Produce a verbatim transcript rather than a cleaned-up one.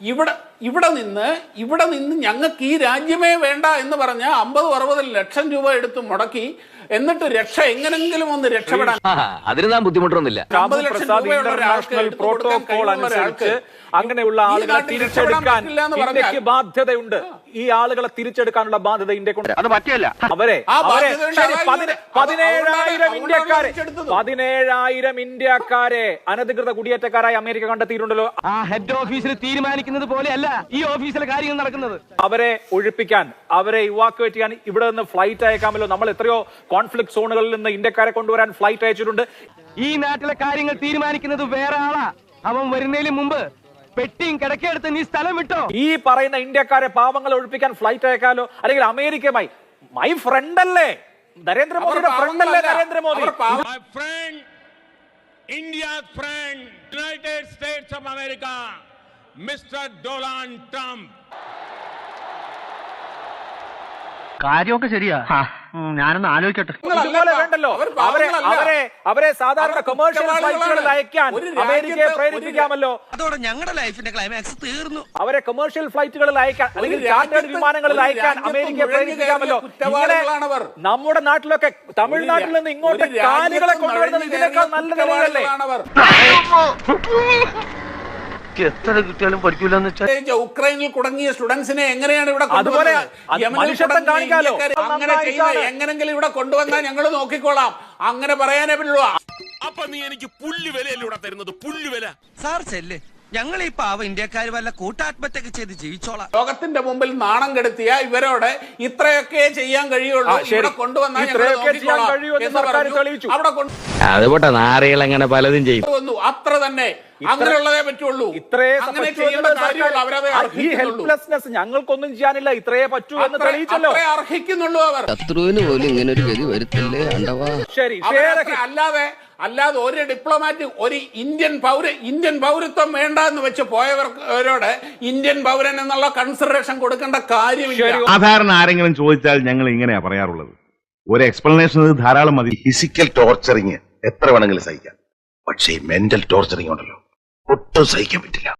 ഇവിടെ ഇവിടെ നിന്ന് ഇവിടെ നിന്ന് ഞങ്ങൾക്ക് ഈ രാജ്യമേ വേണ്ട എന്ന് പറഞ്ഞ അമ്പത് അറുപത് ലക്ഷം രൂപ എടുത്ത് മുടക്കി എന്നിട്ട് രക്ഷ എങ്ങനെങ്കിലും ഒന്ന് രക്ഷപ്പെടാൻ അതിന് നാം ബുദ്ധിമുട്ടൊന്നുമില്ല. അമ്പത് ലക്ഷം രൂപയുള്ള ഒരാൾക്ക് പ്രോട്ടോകോൾ അനുസരിച്ച് അങ്ങനെയുള്ള ആളുകളെ തിരിച്ചെടുക്കാൻ ഇന്ത്യക്ക് ബാധ്യതയുണ്ട്. ഈ ആളുകളെ തിരിച്ചെടുക്കാനുള്ള ബാധ്യത ഇന്ത്യക്കുണ്ട്. അത് പറ്റില്ല. അവരെ പതിനേഴായിരം ഇന്ത്യക്കാരെ പതിനേഴായിരം ഇന്ത്യക്കാരെ അനധികൃത കുടിയേറ്റക്കാരായി അമേരിക്ക കണ്ടെത്തിയിട്ടുണ്ടല്ലോ. ആ ഹെഡ് ഓഫീസിൽ തീരുമാനിക്കുന്നത് പോലെയല്ല ഈ ഓഫീസിലെ കാര്യങ്ങൾ നടക്കുന്നത്. അവരെ ഒഴിപ്പിക്കാൻ, അവരെ ഇവാക്യുവേറ്റ് ചെയ്യാൻ ഇവിടെ നിന്ന് ഫ്ലൈറ്റ് അയക്കാമല്ലോ. നമ്മൾ എത്രയോ കോൺഫ്ലിക്ട് സോണുകളിൽ നിന്ന് ഇന്ത്യക്കാരെ കൊണ്ടുവരാൻ ഫ്ലൈറ്റ് അയച്ചിട്ടുണ്ട്. ഈ നാട്ടിലെ കാര്യങ്ങൾ തീരുമാനിക്കുന്നത് വേറെ ആളാ. അവൻ വരുന്നതിന് മുമ്പ് പെട്ടിയും കിടക്കെടുത്ത് നീ സ്ഥലം വിട്ടോ. ഈ പറയുന്ന ഇന്ത്യക്കാരെ പാവങ്ങളെ ഒഴിപ്പിക്കാൻ ഫ്ലൈറ്റ് അയക്കാലോ. അല്ലെങ്കിൽ അമേരിക്കയുമായി മൈ ഫ്രണ്ട് അല്ലേ നരേന്ദ്രമോദിയുടെ ഫ്രണ്ട് അല്ലേ Narendra Modi. India's friend, United States of America, Mister Donald Trump. കാര്യമൊക്കെ ശരിയാ, ഞാനൊന്ന് ആലോചിക്കട്ടെ. ഇതുപോലെ വേണ്ടല്ലോ. അവരെ അവരെ അവരെ സാധാരണ കൊമേഴ്ഷ്യൽ ഫ്ലൈറ്റുകളിൽ അയക്കാൻ അമേരിക്കയെ പ്രേരിപ്പിക്കാമല്ലോ. അതോടെ ഞങ്ങളുടെ ലൈഫിന്റെ ക്ലൈമാക്സ് തീർന്നു. അവരെ കൊമേഴ്ഷ്യൽ ഫ്ലൈറ്റുകളിൽ അയക്കാൻ അല്ലെങ്കിൽ ചാർട്ടേഡ് വിമാനങ്ങളിൽ അയക്കാൻ അമേരിക്കയെ പ്രേരിപ്പിക്കാമല്ലോ. ഇങ്ങനെ നമ്മുടെ നാട്ടിലൊക്കെ തമിഴ്നാട്ടിൽ നിന്ന് ഇങ്ങോട്ട് കാലികളെ കൊണ്ടുവരുന്നത് ഇതിനേക്കാൾ നല്ല നിലയിലല്ലേ? എത്ര കിട്ടിയാലും പഠിക്കൂലെന്ന് വെച്ചാൽ ഉക്രൈനിൽ കുടുങ്ങിയ സ്റ്റുഡൻസിനെ എങ്ങനെയാണ് ഇവിടെ അതുപോലെ കാണിക്കാലോ. അങ്ങനെ ചെയ്യുന്നത് എങ്ങനെങ്കിലും ഇവിടെ കൊണ്ടുവന്നാൽ ഞങ്ങൾ നോക്കിക്കോളാം. അങ്ങനെ പറയാനേ പറ്റുള്ളൂ. അപ്പൊ നീ എനിക്ക് പുല്ല് വിലയിലൂടെ തരുന്നത് പുല്ല് വില. സാർ ചെല്ല്, ഞങ്ങൾ ഈ പാവ ഇന്ത്യക്കാർ വല്ല കൂട്ടാത്മഹത്യ ചെയ്ത് ജീവിച്ചോളാം. ലോകത്തിന്റെ മുമ്പിൽ നാണം കെടുത്തിയ ഇവരോട് ഇത്രയൊക്കെ ചെയ്യാൻ കഴിയുള്ളൂ, ഇവിടെ കൊണ്ടുവന്നാൽ അത് പോട്ടെ, നാറികൾ അങ്ങനെ പലതും ചെയ്യും. അത്ര തന്നെ, അങ്ങനെയുള്ളതേ പറ്റുള്ളൂ. അങ്ങനെ ചെയ്യേണ്ട കാര്യമുള്ളൂ. അവരത് ഈ ഹെൽപ്ലെസ്നെസ് ഞങ്ങൾക്കൊന്നും ചെയ്യാനില്ല, ഇത്രയേ പറ്റൂ എന്ന് തെളിയിച്ചല്ലോ. അർഹിക്കുന്നുള്ളൂ അവർ. ശത്രുവിന് പോലും ഇങ്ങനെ ഒരു ഗതി വരുത്തല്ലേ അണ്ടവാ. ശരി, അല്ലാതെ അല്ലാതെ ഒരു ഡിപ്ലോമാറ്റ് ഒരു ഇന്ത്യൻ പൗര ഇന്ത്യൻ പൗരത്വം വേണ്ട എന്ന് വെച്ച് പോയവരോട് ഇന്ത്യൻ പൗരൻ എന്നുള്ള കൺസിഡറേഷൻ കൊടുക്കേണ്ട കാര്യമില്ല. സാധാരണ ആരെങ്കിലും ചോദിച്ചാൽ ഞങ്ങൾ ഇങ്ങനെയാ പറയാറുള്ളത്. ഒരു എക്സ്പ്ലനേഷൻ ധാരാളം മതി. ഫിസിക്കൽ ടോർച്ചറിങ് എത്ര വേണമെങ്കിലും സഹിക്കാം, പക്ഷേ മെന്റൽ ടോർച്ചറിങ് ഉണ്ടല്ലോ, ഒട്ടും സഹിക്കാൻ പറ്റില്ല.